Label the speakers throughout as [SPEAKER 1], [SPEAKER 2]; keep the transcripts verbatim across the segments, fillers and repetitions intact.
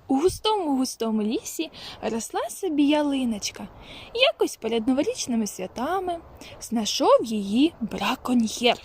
[SPEAKER 1] У густому-густому лісі росла собі ялиночка. Якось перед новорічними святами знайшов її браконьєр.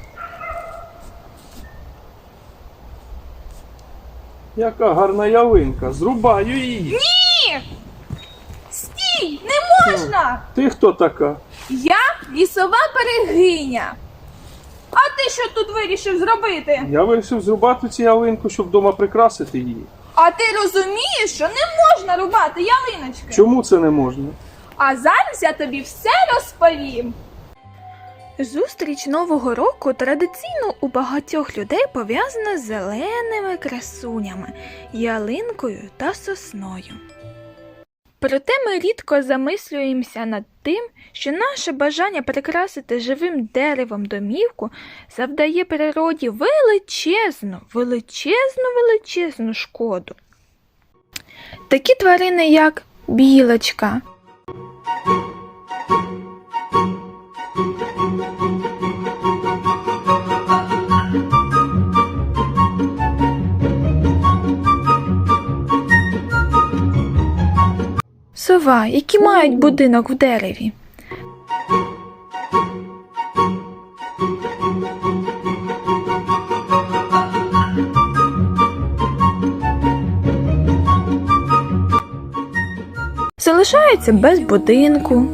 [SPEAKER 2] Яка гарна ялинка, зрубаю її.
[SPEAKER 1] Ні! Стій! Не можна!
[SPEAKER 2] Ти хто така?
[SPEAKER 1] Я лісова берегиня. А ти що тут вирішив зробити?
[SPEAKER 2] Я вирішив зрубати цю ялинку, щоб вдома прикрасити її.
[SPEAKER 1] А ти розумієш, що не можна рубати ялиночки?
[SPEAKER 2] Чому це не можна?
[SPEAKER 1] А зараз я тобі все розповім. Зустріч Нового року традиційно у багатьох людей пов'язана з зеленими красунями, ялинкою та сосною. Проте ми рідко замислюємося над тим, що наше бажання прикрасити живим деревом домівку завдає природі величезну, величезну, величезну шкоду. Такі тварини, як білочка, сова, які мають будинок в дереві, залишаються без будинку.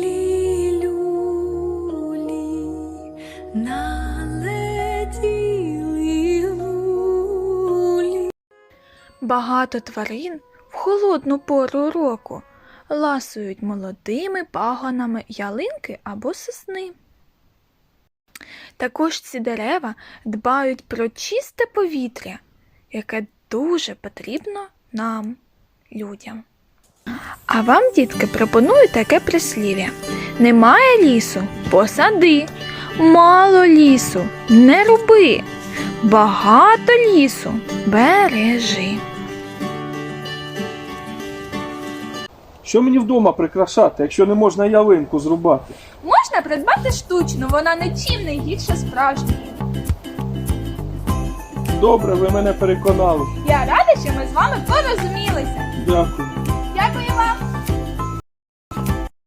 [SPEAKER 1] Багато тварин в холодну пору року ласують молодими пагонами ялинки або сосни. Також ці дерева дбають про чисте повітря, яке дуже потрібно нам, людям. А вам, дітки, пропоную таке прислів'я. Немає лісу – посади, мало лісу – не руби, багато лісу – бережи.
[SPEAKER 2] Що мені вдома прикрашати, якщо не можна ялинку зрубати?
[SPEAKER 1] Можна придбати штучну, вона нічим не гірша справжньої.
[SPEAKER 2] Добре, ви мене переконали.
[SPEAKER 1] Я рада, що ми з вами порозумілися.
[SPEAKER 2] Дякую.